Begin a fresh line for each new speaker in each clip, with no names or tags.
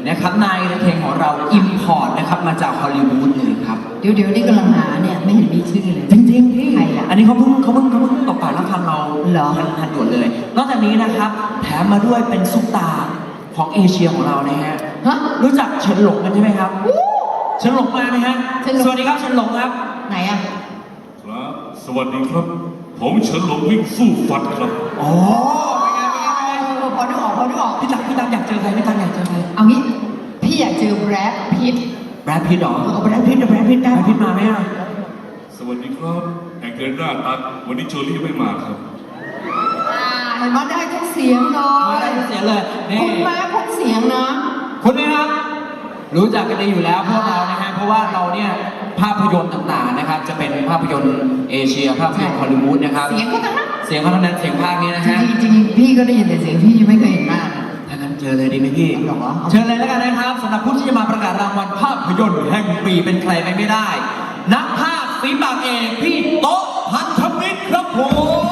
นะครับนายเพลงของเราอิมพอร์ตนะครับมาจากฮอลลีวูดเลยครับ
เดี๋ยวนี่กำลังหาเนี่ยไม่เห็นมีชื่อเลย
จริงๆพี่อันนี้เขาเพิ่งตกปากรับคำเรา
เหรอ
ทันด่วนเลยนอกจากนี้นะครับแถมมาด้วยเป็นซุปตาของเอเชียของเรานะฮะรู้จักเฉินหลงกันใช่ไหมครับเฉินหลงมาไหมฮะสวัสดีครับเฉินหลงครับ
ไหนอ่ะ
ครับสวัสดีครับผมเฉินหลงวิ่งสู้ฟัดครับ
อ๋อ
พอนึกออก
พี่ตั๊กอยากเจอใครพี่ตั๊กอยากเจอใคร
เอางี้พี่อยากเจอแบรดพิต
หรอแบรดพิตมาไหมอ่ะ
สวัสดีครับแองเกลน่าตัดวันนี้โจลี่ไม่มาครับ
เห็นว่าได้ทุกเสียงเลย
ได้ทุกเสียงเลย
คุณแม่พกเสียงนะ
คุณไหมครับรู้จักกันดีอยู่แล้วพวกเรานะฮะเพราะว่าเราเนี่ยภาพยนตร์ต่างๆนะครับจะเป็นภาพยนตร์เอเชียภาพยนตร์ฮอลลีวูดนะครับ
เสียงก็ทั้งนั้น
เสียงภาคนี้นะฮะ
จริงๆพี่ก็ได้ยินแต่เสียงพี่ไม่เคยเห็นหน้า
ถ้างั้นเจอเลยดีไหมพี่เชิญเลยแล้วกันนะครับสำหรับผู้ที่จะมาประกาศรางวัลภาพยนตร์แห่งปีเป็นใครไปไม่ได้นักภาคฝีปากเอกพี่โต๊ะพันธมิตรครับผม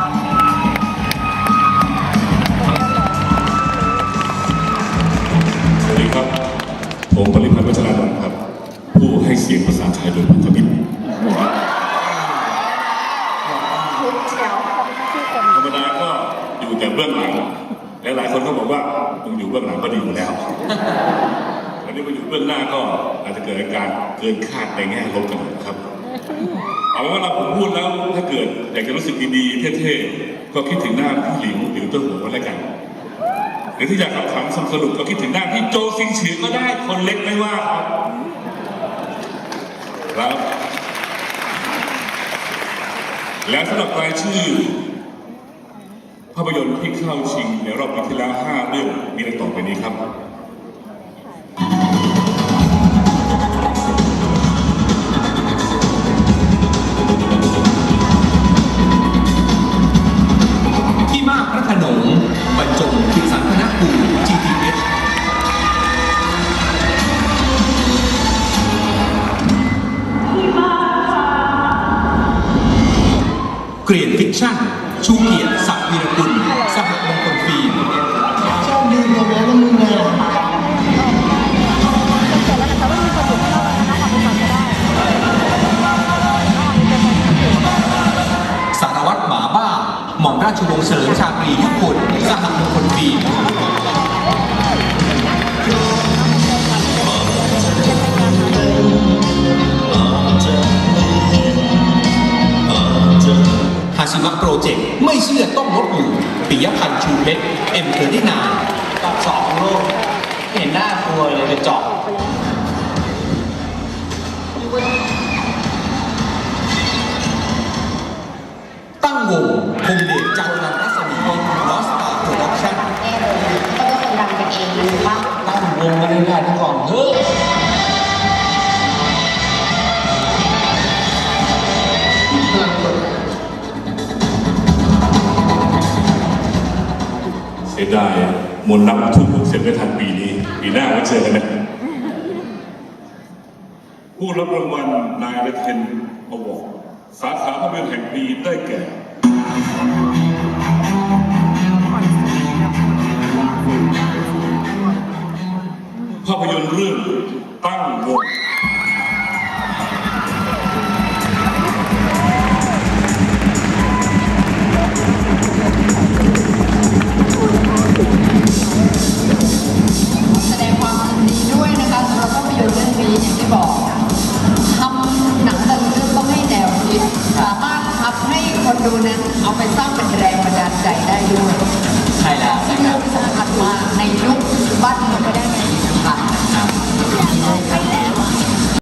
สวัสดีครับผมปริพันธ์วัชรดลครับผู้ให้เสียงภาษาไทยโดยพันธมิตรธรรมดาก็อยู่แต่เบื้องหลังหลายคนก็บอกว่ามึงอยู่เบื้องหลังก็ดีอยู่แล้ววันนี้มาอยู่เบื้องหน้าก็อาจจะเกิดอาการเกินคาดในแง่ลบกันครับเอาเป็นว่าเราผมพูดแล้วถ้าเกิดอยากจะรู้สึกดีๆเท่ๆก็คิดถึงหน้าพี่หลิวหรือเจ้าหัวก็แล้วกันหรือที่อยากขำๆสนุกก็คิดถึงหน้าพี่โจซิงฉือก็ได้คนเล็กไม่ว่าครับและสำหรับรายชื่อภาพยนตร์ที่เข้าชิงในรอบปีที่แล้ว5 เรื่องมีดังต่อไปนี้ครับ
ที่มากพระโขนงบรรจงคิดสันพนกู GTH เกรียนฟิกชั่นชูเกียรติศักดิ์วีรกุลสหมงคลฟิล์ม
ชอบดูโรงแล้วมึงเลย
สารวัตรหมาบ้าหม่อมราชวงศ์เฉลิมชาตรียุคลสหมงคลฟิล์มฮาชิมะโปรเจกต์ไม่เชื่อต้องลบหลู่ปิยพันธ์ชูเพชรM39
ตอบสองโลกเห็นหน้ากลัวเลยไปเจาะ
ตั้งวงคงเดชจันทร์รัศมีลอสตาโปรดักชั่น
ก็ต้องดังกันเองหรือว่า
ตั้งวงกันได้ทั้งก่อนเฮ้ย
เสียดายมนต์รักทุกเสร็จไม่ทันปีนี้ปีหน้าไว้เจอกันนะผู้รับรางวัลนายเทนอวอร์ดสาขาภาพยนตร์แห่งปีได้แก่ภาพยนตร์เรื่องตั้งวง
แสดงความยินดีด้วยนะคะสำหรับภาพยนตร์เรื่องนี้อย่างที่บอกทำหนังแต่ละเรื่องต้องให้แนวคิดสามารถทำให้คนดูนั้นเอาไปสร้างเป็นแรงบันดาลใจได้ด้วย
ใช่แล้ว
ซึ่งไม่